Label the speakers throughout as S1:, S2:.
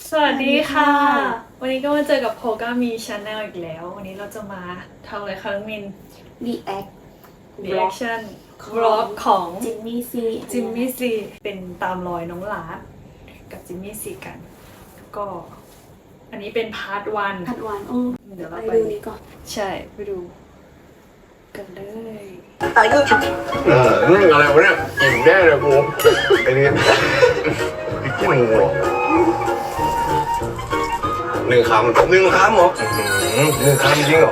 S1: สวัสดีค่ะ วันนี้ก็มาเจอกับโพก้ามีชาแนลอีกแล้ว วันนี้เราจะมาทำอะไรคะน้องมิน
S2: react
S1: reaction vlog ของ
S2: จิมมี่ซี
S1: จิมมี่ซีเป็นตามรอยน้องลาดกับจิมมี่ซีกัน ก็ อันนี้เป็นพาร์ทวัน
S2: ผัดหวาน
S1: เดี๋ยวเรา
S2: ไป
S1: ไป
S2: ดูนี้ก่อน
S1: ใช่ไปดูกันเลย
S3: อะไรวะเนี่ยอิ่มแน่เลยกูไอ้นี่กินหัวหนึ่งคำเหรอหนึ่งคำจริงเหรอ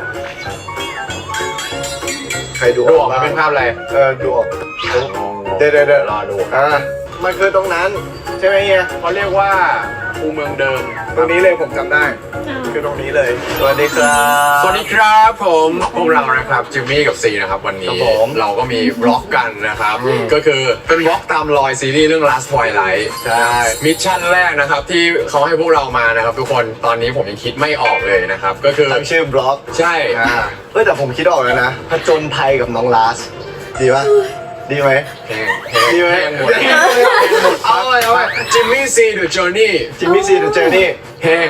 S3: ใครดูออกมาเป็นภาพอะไรดูออกเดี๋ยวรอดูมันคือตรงนั้นใช่ไหมเฮียเขาเรียกว่าคูเมืองเดิมตรงนี้เลยผมจำได้คือตรงนี้เลยสวัสดีครับสวัสดีครับผมพวกเรานะครับจิมมี่กับซีนะครับวันนี้เราก็มีบล็อกกันนะครับก็คือเป็นบล็อกตามรอยซีรีส์เรื่อง Last Twilight ใช่มิชชั่นแรกนะครับที่เขาให้พวกเรามานะครับทุกคนตอนนี้ผมยังคิดไม่ออกเลยนะครับก็คือตั้งชื่อบล็อกใช่แต่ผมคิดออกแล้วนะผจญภัยกับน้องลาสดีป่ะดีไหมดีไหมหมดเอาไปจิมมี่ซีเดอะจอร์นี่จิมมี่ซีเดอะจอร์นี่แห้ง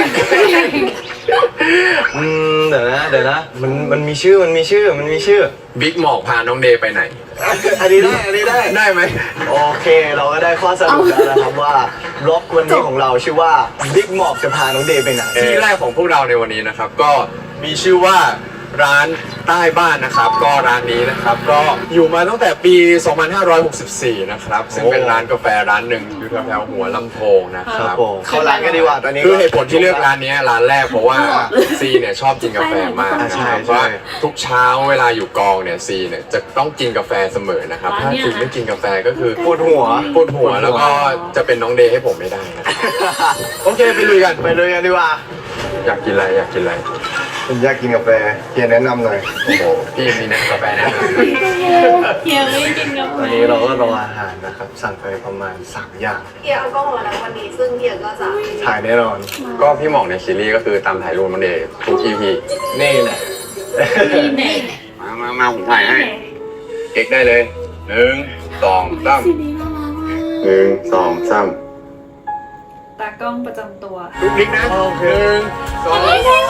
S3: เดี๋ยวนะมันมีชื่อบิ๊กหมอกพาน้องเดย์ไปไหนอันนี้ได้ไหมโอเคเราก็ได้ข้อสรุปแล้วนะครับว่าบล็อกวันนี้ของเราชื่อว่าบิ๊กหมอกจะพาน้องเดย์ไปไหนที่แรกของพวกเราในวันนี้นะครับก็มีชื่อว่าร้านใต้บ้านนะครับก็ร้านนี้นะครับก็อยู่มาตั้งแต่ปี 2564 นะครับซึ่งเป็นร้านกาแฟร้านหนึ่งอยู่แถวหัวลำโพงนะครับเข้าร้านกันดีกว่าตอนนี้คือเหตุผลที่เลือกร้านนี้ร้านแรกเพราะว่าซีเนี่ยชอบกินกาแฟมากนะครับเพราะว่าทุกเช้าเวลาอยู่กองเนี่ยซีเนี่ยจะต้องกินกาแฟเสมอนะครับถ้าซีไม่กินกาแฟก็คือปวดหัวแล้วก็จะเป็นน้องเดย์ให้ผมไม่ได้นะโอเคไปลุยกันดีกว่าอยากกินอะไรผมอยากกินกาแฟเฮียแนะนำหน่อยโอ้โหพี่มีแนะกาแฟแนะนำ
S1: เฮียไม่กินกาแฟ
S3: ตอนนี้เราก็รออาหารนะครับสั่งไปประมาณ3 อย่าง
S4: เฮียเอากล้องมาแล้ววันนี้ซึ่งเฮียก็จะ
S3: ถ่ายแน่นอนก็พี่หมอกในซีรีส์ก็คือตามถ่ายรูปมันเดย์ทุก EP นี่แหละ
S1: นี่แน่
S3: มาผมถ่ายให้เอ็กได้เลย1 2 3
S2: ซีรีส์น่ารักมาก
S3: 1 2 3
S1: ตากล้องประจำตัว
S3: ลุกนิกนะโอเค1 2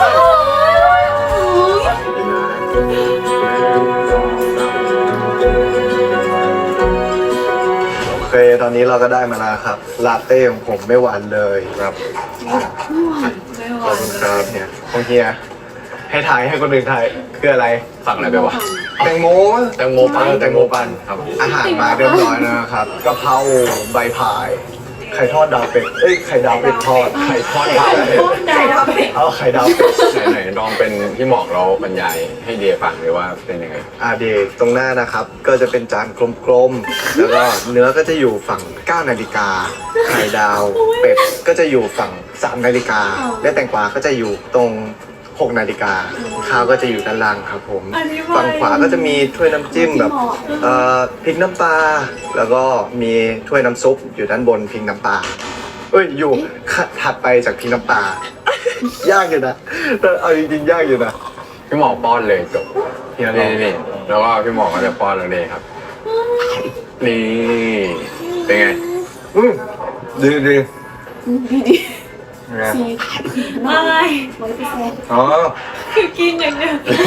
S3: โอเคตอนนี้เราก็ได้มาแล้วครับลาเต้ของผมไม่หวานเลยครับขอบคุณครับเนี่ยของเฮียให้ถ่ายให้คนอื่นถ่ายคืออะไรสั่งอะไรไปวะแตงโมปั่นครับอาหารมาเรียบร้อยแล้วนะครับกะเพราใบพายไข่ทอดดาวเป็ดไข่ดาวเป็ดทอดไข่ทอดดาวเป็ดเอาไข่ดาวเป็ดไหนลองเป็นพี่หมอกเราบรรยายให้เดียฟังเลยว่าเป็นยังไงเดยตรงหน้านะครับก็จะเป็นจานกลมๆแล้วก็เนื้อก็จะอยู่ฝั่ง9 นาฬิกาไข่ดาวเป็ดก็จะอยู่ฝั่ง3 นาฬิกาและแตงกวาก็จะอยู่ตรง6 นาฬิกาข้าวก็จะอยู่ด้านล่างครับผมฝั่งขวาก็จะมีถ้วยน้ำจิ้มแบบพริกน้ำปลาแล้วก็มีถ้วยน้ำซุปอยู่ด้านบนพริกน้ำปลาอยู่ถัดไปจากพริกน้ำปลายากอยู่นะเอาจริงๆยากอยู่นะพี่หมอป้อนเลยจบนี่แล้วก็พี่หมอก็จะป้อนเลยครับนี่เป็นไงดี
S2: ซี
S1: อะไร
S2: 100%
S3: อ๋อ
S1: คือกินอย่างเดียว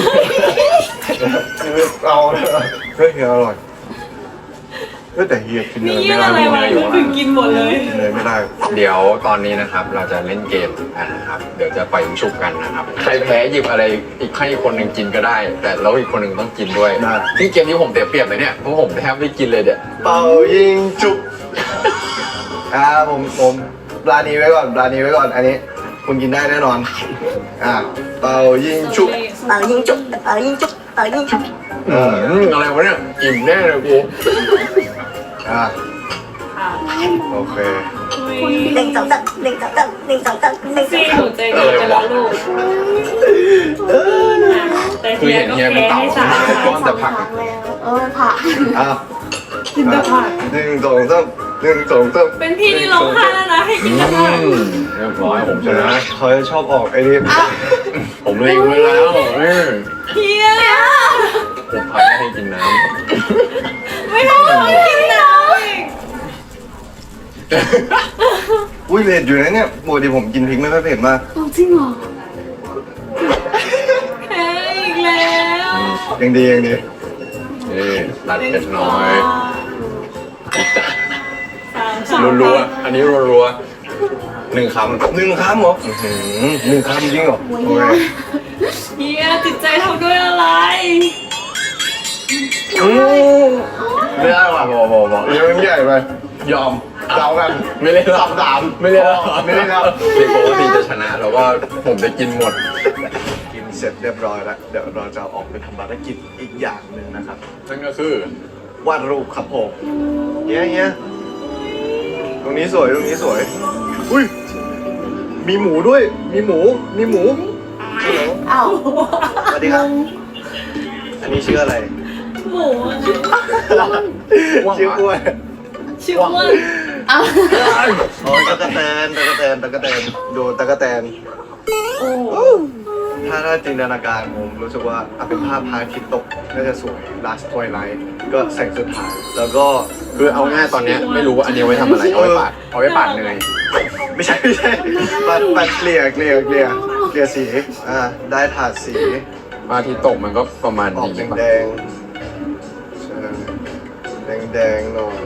S3: เอาเฮ้ยอร่อยแต่เฮียกินเลย
S1: นี่อะไรมาก็คือกินหมดเลย
S3: เลยไม่ได้เดี๋ยวตอนนี้นะครับเราจะเล่นเกมกันนะครับเดี๋ยวจะไปชุบกันนะครับใครแพ้หยิบอะไรอีกให้คนหนึ่งกินก็ได้ แต่แล้วอีกคนหนึ่งต้องกินด้วยที่เกมนี้ผมเสียเปรียบเลยเนี่ยเพราะผมแทบไม่กินเลยเนี่ยเป่ายิงจุบผมปลานี้ไว้ก่อนอันนี้คุณกินได้แน่นอนเป่ายิงจุบ
S4: ยิงจุ๊บ
S3: อะไรวะเนี่ยอิ่มแน่เลยกูโอเค
S4: 1 2 3 1 2 3 1 2 3 1
S1: ซี
S4: 2
S1: หนูใจดีกันแล้วลูกแต่
S3: คือ
S1: เฮีย
S3: เห็น
S1: ก็
S3: เฮีย
S1: แพ้
S3: เป็นเต่า
S1: ให้สา
S3: ก้อนแต่ผัก
S2: ผัก
S1: กินแต่ผัก
S3: 1 2 3
S1: เป็นพี่นี่ร้องไห้แล้วนะให้กินแต่ผัก
S3: เรียบร้อยผมชนะเขาจะชอบออกไอ้นี่ผมเล็งไว้แล้ว
S1: เฮีย
S3: ผมพักให้กินน้ำ
S1: ไม่ต้องให้กินน้ำ
S3: อุ้ยเผ็ดอยู่นะเนี่ยปกติผมกินพริกไม่ค่อยเผ็ดมาก
S2: เอาจริงเหรอ
S1: แพ้อีกแล้ว
S3: ยังดียังดี
S5: นี่ตัดเผ็ดน้อย
S1: สาม
S5: รัวๆอันนี้รัวๆ1 คำ
S3: 1 คำเหรอ1 คำจริงเหรอ
S2: โอ้ย
S3: โอเค
S1: เฮียจิตใจทำด้วยอะไร
S3: ไม่ได้ว่ะบอกเรื่องใหญ่ไปยอมเดากัน
S5: ไม่เล่นแล้ว
S3: สาม
S5: ไม่เล่นแล้ว
S3: ไม่เล่นแล้ว
S5: เด็กปกติจะชนะแล้วก็ผมจะกินหมด
S3: กินเสร็จเรียบร้อยแล้วเดี๋ยวเราจะออกไปทำภารกิจอีกอย่างหนึ่งนะครับ
S5: นั่นก็คือ
S3: วาดรูปครับผมเงี้ยตรงนี้สวยตรงนี้สวยอุ้ยมีหมูด้วยมีหมูฮัลโหล
S2: อ้าว
S3: สวัสดีครับอันนี้ชื่ออะไร
S1: หมูอะ
S3: ชื่ออ้วน
S1: ชื่อว่า
S2: อ้าว
S3: โอ้ยตะกะแตนดูตะกะแตน
S2: โอ้
S3: ถ้าจินตนาการผมรู้สึกว่าเป็นภาพพระอาทิตย์ตกน่าจะสวย Last Twilight ก็แสงสุดท้ายแล้วก็
S5: คือเอาง่ายตอนเนี้ยไม่รู้ว่าอันนี้เอาไว้ทำอะไรเอาไว้ปาดเนย
S3: ไม่ใช่ปัดเกลี่ยสีได้ถาดสี
S5: มาที่ตกมันก็ประมาณ
S3: ออก
S5: นี้
S3: แดงใช่แดงหน่อย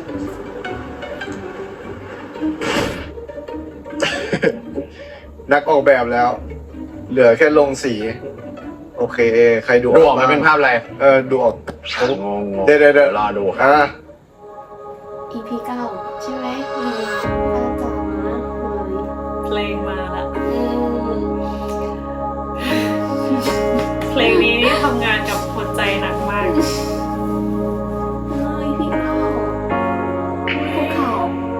S3: นักออกแบบแล้ว เหลือแค่ลงสี โอเค ใครดู
S5: ดูออกมันเป็นภาพอะไร
S3: ดูออก
S5: งง
S3: เดี๋ยว
S5: รอดูครับ
S2: EP 9 ใช่ไหมอาจารย์นะ
S1: เพลงมาละ
S2: เลย
S1: เพลงนี้นี่ทำงานกับหัวใจหนักมาก
S2: EP 9ภูเขา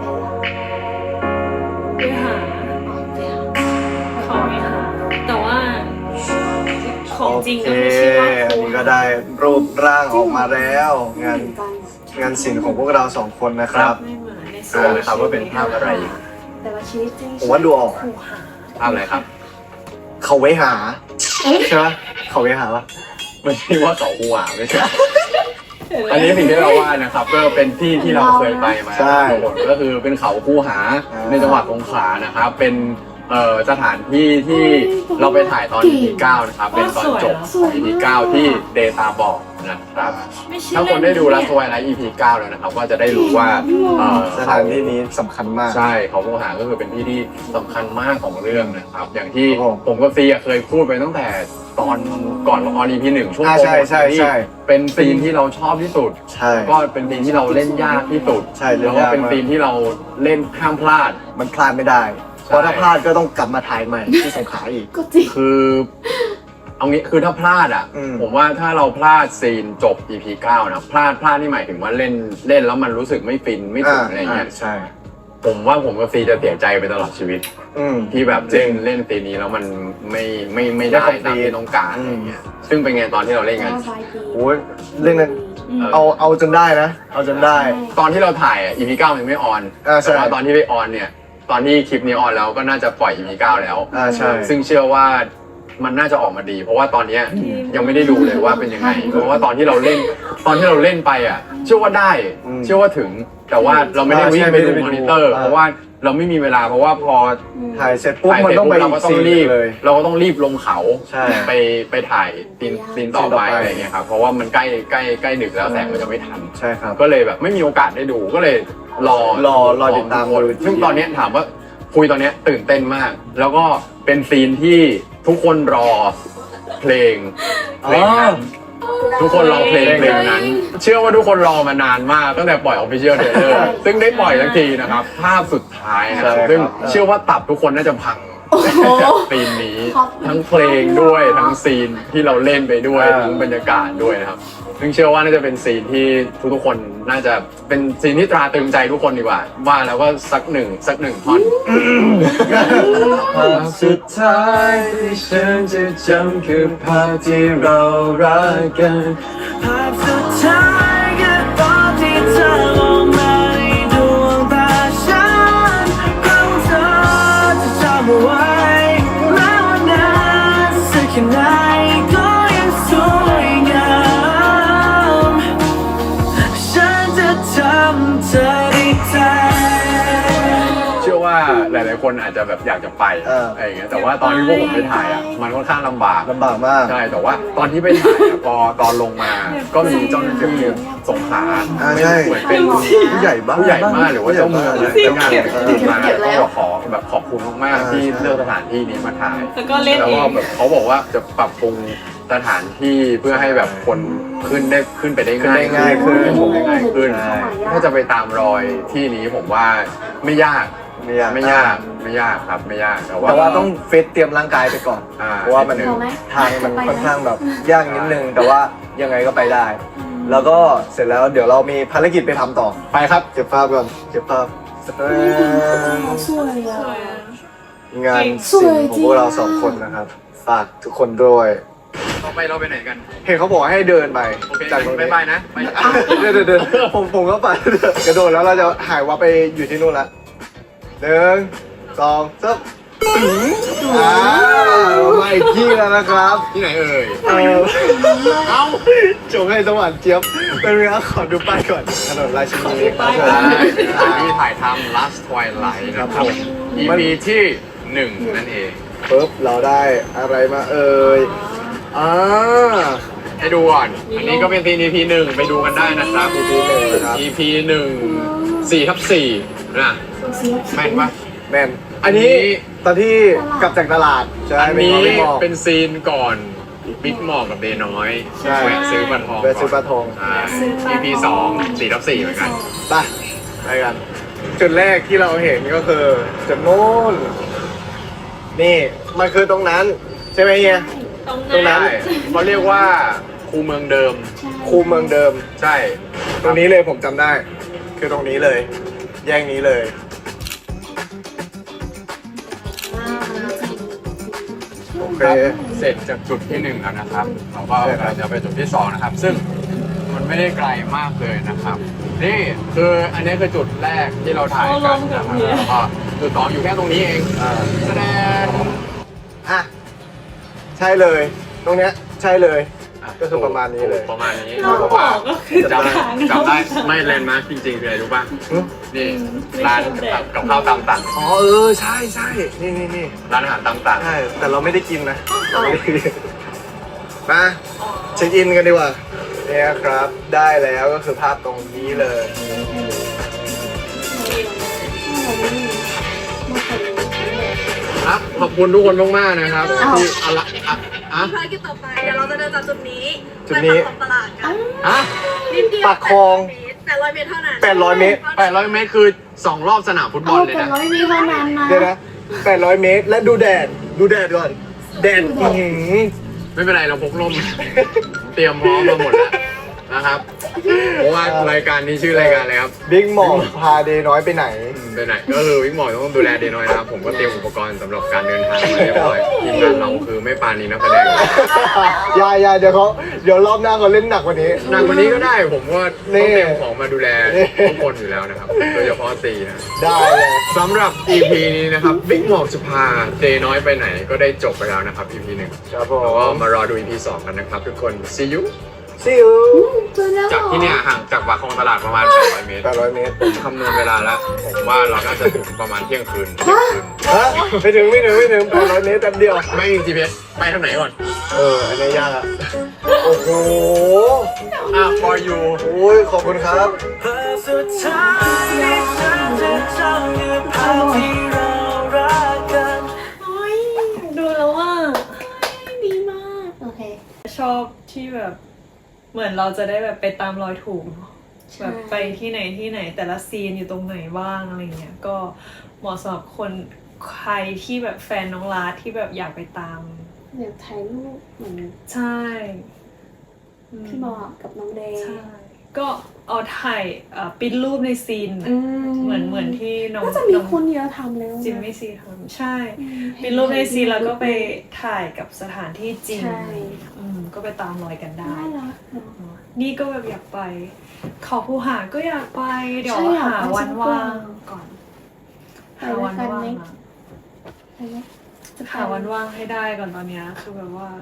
S2: ไปละ
S1: ไปหา
S2: ออกไปละ
S1: เขาไม่หาแต่ว่าของจริง
S3: โอ
S1: ก็
S3: เค
S1: ไม่ใช่ว่า
S3: อัน
S1: คู
S3: นี้ก็ได้รูปร่างออกมาแล้ว
S2: เหมือนกัน
S3: งานศิลป์ของพวกเราสองคนนะครับ
S1: ไม่เหมือนใน
S5: ดูเลยครับว่าเป็นภาพอะไร
S2: แต่ว่าชีวิตจริง
S3: ผมว่าดูออก
S1: คูหา
S5: ภาพอะไรครับ
S3: เขาไว้หาใช่ไหมเขาไว้หาปะ
S5: ไม่ใช่ว่าเขาหัวไม่ใช่ อันนี้สิ่งที่เราว่านะครับก็เป็นที่ที่เราเคยไปมาทั้งหมดก็คือเป็นเขาคูหาในจังหวัดสงขลานะครับ เป็นสถานที่ที่เราไปถ่ายตอน EP 9นะครับเป็นตอนจบของ EP 9ที่เดตาบอกนะครับ
S1: ไม่ใช่
S5: ถ้าคนได้ดูรัสไวไลท์ EP 9แล้วนะครับก็จะได้รู้ว่า
S3: สถานที่นี้สำคัญมาก
S5: ใช่เขาคูหาก็คือเป็นที่ที่สำคัญมากของเรื่องนะครับ อย่างที่
S3: ครับผม
S5: ผมกับซีเคยพูดไปตั้งแต่ตอนก่อนออน EP 1ช่วง
S3: ใช่ใช่
S5: ที่เป็นซีนที่เราชอบที่สุด
S3: ใช่
S5: ก็เป็นซีนที่เราเล่นยากที่สุด
S3: ใช่เล่
S5: แล้ว
S3: น
S5: ก็
S3: ยาก
S5: เป็น
S3: มาก
S5: ซีนที่เราเล่นห้ามพลาด
S3: มันพลาดไม่ได้ เพราะถ้าพลาดก็ต้องกลับมาถ่ายใหม่ที่สงขลาอีก
S2: ก็จริง
S5: คือเอางี้คือถ้าพลาดอ่ะ
S3: อืม
S5: ผมว่าถ้าเราพลาดซีนจบ EP 9นะพลาดนี่หมายถึงว่าเล่นแล้วมันรู้สึกไม่ฟินไม่ถึงอะไรเงี้ย
S3: ใช่
S5: ผมว่าผมกับซีจะเสียใจไปตลอดชีวิต ที่แบบเล่นซีนนี้แล้วมันไม่ได้ตามที่ต้องการอะไรเงี้ยซึ่งเป็นไงตอนที่เราเล่นกัน
S3: โอ้ยเรื่องนั้นเอาจนได้นะ เอาจนได้
S5: ตอนที่เราถ่ายอ่ะ EP 9ยังไม่ออน
S3: ใช่
S5: แต่ว่าตอนที่ไปออนเนี่ยตอนที่คลิปนี้ออนแล้วก็น่าจะปล่อย EP 9แล้ว
S3: ใช่
S5: ซึ่งเชื่อว่ามันน่าจะออกมาดี เพราะว่าตอนเนี้ยยังไม่ได้ดูเลยว่าเป็นยังไง เพราะว่าตอนที่เราเล่นไปอ่ะ เชื่อว่าได้ เชื่อว่าถึง แต่ว่าเราไม่ได้วิ่งไปดูมอนิเตอร์ เพราะว่าเราไม่มีเวลาเพราะว่าพอ
S3: ถ่ายเสร็จปุ๊บ
S5: ถ่าย
S3: มัน
S5: เสร็จ
S3: ต้อง
S5: ปุ๊
S3: ไป
S5: บเราก็ต้องรีบ
S3: เลย
S5: เราก็ต้องรีบลงเขา
S3: ใช่
S5: ไปถ่ายซีนต่อไปอะไรเงี้ยครับเพราะว่ามันใกล้ดึกแล้วแสงมันจะไม่ทัน
S3: ใช่ครับ
S5: ก็เลยแบบไม่มีโอกาสได้ดูก็เลยรอ
S3: ติดตาม
S5: คนซึ่งตอนเนี้ยถามว่าคุยตอนเนี้ยตื่นเต้นมาก แล้วก็เป็นซีนที่ทุกคนรอเพลงนั้นทุกคนรอเพลงนั้น เชื่อว่าทุกคนรอมานานมากตั้งแต่ปล่อย Official Trailer ซึ่งได้ปล่อยสักทีนะครับ ภาพสุดท้ายนะครับซึ่งเชื่อว่าตับทุกคนน่าจะพังจากซีนนี้ ทั้งเพลงด้วยทั้งซีนที่เราเล่นไปด้วยทั้งบรรยากาศด้วยนะครับ ซึ่งเชื่อว่าน่าจะเป็นซีนที่ทุกๆคนน่าจะเป็นซีนที่ตราตรึงใจทุกคนดีกว่าว่าแล้วก็สักหนึ่งท่อน
S6: ภาพสุดท้ายที่ฉันจะจำคือภาพที่เรารักกันภาพสุดท้ายคือตอนที่เธอมองมาในดวงตาฉันเพราะเธอจะจำเอาไว้แม้ว่านานสักแค่ไหนก็ยังสวยงามฉันจะทำเธอได้ใจ
S5: เชื่อว่าคนอาจจะแบบอยากจะไปอะไรอย่างเงี้ยแต่ว่าตอนที่พวกผมไปถ่ายอ่ะมันค่อนข้างลำบาก
S3: ลำบากมาก
S5: ใช่แต่ว่าตอนที่ไปถ่ายอะพอตอนลงมาก็มีเจ้าหน้าที่สงขลา
S3: ใช่
S5: เหมือนเป็น
S3: ผู้ใหญ่บ้าง
S5: ผู้ใหญ่มากหรือว่าเจ้าเมืองนะเจ้างานมา
S2: เก็บแล้ว
S5: ก็ขอแบบขอบคุณมากๆที่เลือกสถานที่นี้มาถ่าย
S1: แล้วก็เล่น
S5: แล้ว
S1: เอ
S5: ก็
S1: ง
S5: แบบเขาบอกว่าจะปรับปรุงสถานที่เพื่อให้แบบคนขึ้นไปได้ง่าย
S3: ง่ายขึ้น
S5: ชมได้ง่ายขึ้น
S3: ใช่
S5: ถ้าจะไปตามรอยที่นี้ผมว่าไม่ยาก
S3: ไม่ยาก
S5: ไม่ยากครับไม่ยากแต่
S3: แต่ว่า
S5: ว่า
S3: ต้องฟิตเตรียมร่างกายไปก่อน เพราะว่ามัน
S5: นิดนึง
S3: ทางมันค่อนข้างแบบยากนิดนึง แต่ว่ายังไงก็ไปได้ แล้วก็เสร็จแล้วเดี๋ยวเรามีภารกิจไปทำต่อ
S5: ไปครับ
S3: เก็บภาพก่อนเก็บภาพ
S2: สวยอ่ะ
S3: งาน
S2: สวย
S3: ศิลป์
S2: จ
S3: ข
S2: ริ
S3: อง
S2: ง
S3: พวกเราสองคนนะครับฝากทุกคนด้วย
S5: ต่อไปเราไปไหนกัน
S3: เห็นเขาบอกให้เดินไป
S5: โอเค
S3: จากตรง
S5: ไป
S3: นี้
S5: ไปนะไป
S3: เดินผมก็ไปกระโดดแล้วเราจะหายวับไปอยู่ที่นู่นละ1 2 3มาอีกที่แล้วนะครับ
S5: ที่ไหนเอ่ย
S3: เอ้าจงให้สวรรค์เจี๊ยบเป็นเวลาขอดูป้ายก่อนถนนราชินีครับผม
S5: ที่ถ่ายทำ Last Twilight นะครับผม EP ที่ 1 นั่นเอง
S3: ปุ๊บเราได้อะไรมาเอ่ย
S5: ให้ดูก่อน อันนี้ก็เป็นซีน EP 1 ไปดูกันได้นะครับ
S3: EP 1นะครับ
S5: EP 1 4/4 นะแม่นปะ
S3: แมนอันนี้ตอนที่กลับจากตลาดใช่
S5: อัน
S3: เป็น
S5: นี้
S3: ของพี่หมอก
S5: เป็นซีนก่อนบิ๊กหมอกกับเดน้อย
S3: ใช่
S5: แวะซื้อปลาทอง
S3: แวะซื้อปลาทอง
S5: EP 2 4/4 เหมือนกัน
S3: ไปกัน จุดแรกที่เราเห็นก็คือจุดนู้นนี่มันคือตรงนั้น ใช่ไหมเฮีย ตรงนั้น
S5: ใช่เขาเรียกว่าคูเมืองเดิม
S3: คูเมืองเดิม
S5: ใช่
S3: ตรงนี้เลยผมจำได้ คือตรงนี้เลย แยกนี้เลย โอเค
S5: เสร็จจากจุดที่ 1 แล้วนะครับเราก็กำลังจะไปจุดที่ 2 นะครับ ซึ่งมันไม่ได้ไกลมากเลยนะครับ นี่คืออันนี้คือจุดแรกที่เราถ่ายกันนะครับแล้วก็จุด 2 อยู่แค่ตรงนี้เองแสดง
S3: อ่ะ ใช่เลย ตรงเนี้ยใช่เลย ก็คือประมาณนี้เลย
S5: ประมาณนี้
S1: เราบอกก็คือทาง
S5: จำได้ไม่แลนด์มาร์คจริงๆคืออะไรรู้ป่ะ
S3: หึ
S5: นี่ร้านกับข้าวตามสั่ง
S3: อ๋อใช่ใช่นี่
S5: ร้านอาหารตามสั่ง
S3: ใช่ แต่เราไม่ได้กินนะเราไม่ได้กินมาเช็คอินกันดีกว่าเนี่ยครับ ได้แล้วก็คือภาพตรงนี้เลย
S5: ครับขอบคุณทุกคนมากๆนะครับที่อะไรอ่ะ
S4: ภารกิจต่อไปเดี๋ยวเราจะเดินจากจุดนี้
S3: จุดนี้
S4: ไปปากคลองตลาดกัน
S5: อ่ะ
S4: นิดเดียว
S3: ปากคลอง
S4: 800 เมตรเท่านั้น
S3: 800 เมตร
S5: 800 เมตรคือ 2 รอบสนามฟุตบอลเลย
S2: แต่
S5: นะ
S2: เราไม่มีเท่านั้นนะ
S3: เดี๋ยวนะ800 เมตร และดูแดดก่อน แดดอื้อหือ
S5: ไม่เป็นไรเราพกร่ม เตรียมพร้อมมาหมดแล้วนะครับ เพราะว่ารายการนี้ชื่อรายการอะไรครับ
S3: บิ๊กหมอกพาเดย์น้อยไปไหน
S5: ไปไหนก็คือวิ่งหมอต้องดูแลเดน้อยนะครับ ผมก็เตรียมอุปกรณ์สำหรับการเดินทางมาเรียบร้อยทีมงานเราคือไม่ปานีนักแสดง
S3: อย่าเดี๋ยวรอบหน้าเขาเล่นหนักกว่านี้
S5: หนักกว่านี้ก็ได้ผมก็
S3: นี่
S5: ต้องเตรียมของมาดูแลทุกคนอยู่แล้วนะครับ โดยเฉพาะซีนะ
S3: ได้เลย
S5: สำหรับ EP นี้นะครับบิ๊กหมอกจะพาเดน้อยไปไหนก็ได้จบไปแล้วนะครับ EP 1
S3: ครับผ
S5: แล้วก็
S3: ม
S5: มารอดู EP 2 กันนะครับทุกคน see you
S3: See you
S5: จากที่เนี่ยห่างจากปากคลองตลาดประมาณ800 เมตร
S3: 800 เมตร
S5: ผมคำนวณเวลาแล้ว ผมว่าเราน่าจะถึงประมาณเที่ยงคืน
S3: ฮะไม่ถึง800 เมตรแป๊บเดียว
S5: ไม่มี GPS ไปทางไหนก่อน
S3: อันนี้ยากอะโอ้โห
S5: for you
S3: โอ้ยขอบคุณครับ
S6: ภาพสุดท้ายที่ฉันจะจำคือภาพที่เรารักกัน
S1: โอ้ยดูแล้วว่า
S2: ดีมาก โอเค
S1: ชอบที่แบบเหมือนเราจะได้แบบไปตามรอยถูกเนอะ
S2: ใช่
S1: แบบไปที่ไหนแต่ละซีนอยู่ตรงไหนบ้างอะไรเงี้ยก็เหมาะสำหรับคนใครที่แบบแฟนน้องลาที่แบบอยากไปตาม
S2: อยากถ่ายรูปเหมือน
S1: ใช่อืม
S2: พี่บอกกับน้องเดย์
S1: ใช่ก็เอาถ่ายปริ้นรูปในซีน เหมือนที่น้อง
S2: น่าจะมีคนเยอะทำแล้วนะ
S1: จิมมี่ซีทำใช่
S2: อืม
S1: ปริ้นรูปในซีนแล้วก็ไปถ่ายกับสถานที่จริง
S2: ใช่
S1: ก็ไปตามรอยกันได้
S2: น่ารักเนอะ
S1: นี่ก็แบบอยากไป เขาภูหาก็อยากไป เดี๋ยว
S2: ใช่อยาก
S1: หา
S2: ไป
S1: วันว่างก่อน
S2: ไป
S1: หา
S2: ด้ว
S1: วั
S2: ย
S1: น
S2: กัน
S1: ว่าง
S2: ไหม
S1: อะ
S2: ไปไหมจะไป
S1: หาวันว่างให้ได้ก่อนตอนเนี้ยคือแบบว่า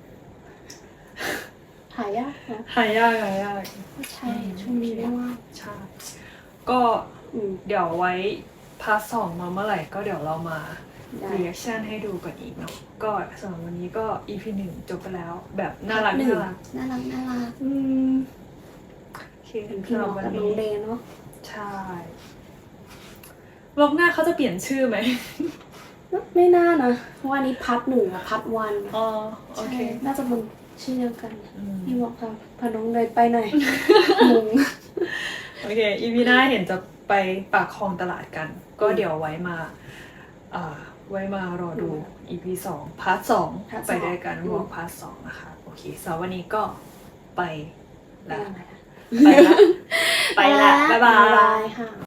S2: หายากนะ
S1: หายาก
S2: ใช่ช่วงนี้ไม่ว่าง
S1: ใช่ก็
S2: อืม
S1: เดี๋ยวไว้พาร์ทสองมาเมื่อไหร่ก็เดี๋ยวเรามา
S2: ได้
S1: รีแอคชั่นให้ดูกันอีกเนาะก็สำหรับวันนี้ก็ EP 1 จบไปแล้ว แบบน่ารัก
S2: หนึ่
S1: น่าง รัก
S2: น่ารัก
S1: อืมโอเค
S2: เป็นพี่
S1: สำห
S2: น้
S1: รั
S2: อบ ง
S1: วัน
S2: กับน้อ
S1: นี้
S2: งเดย์เนาะ
S1: ใช่วล็อกหน้าเขาจะเปลี่ยนชื่อไหม
S2: ไม่น่านะเพราะว่านี้พัดหนึ่งกับพัดวัน
S1: อ๋อโอเค
S2: ใช่น่าจะเป็นชื่อเดียวกัน
S1: อืม
S2: พี่บอกค่ะพาน้องเดย์ไปหน่อยงง
S1: โอเค EP หน้าเห็นจะไปปากคลองตลาดกัน ก็เดี๋ยวไว้มารอดู EP 2 พาร์ท
S2: พาร์ท
S1: 2
S2: 2
S1: ไปด้วยกันวอล์กพาร์ท 2 นะคะ โอเคสำหรับวันนี้ก็ไป
S2: ไป
S1: ละ
S2: ไหน
S1: ไปละ บ๊ายบาย
S2: ค่ะ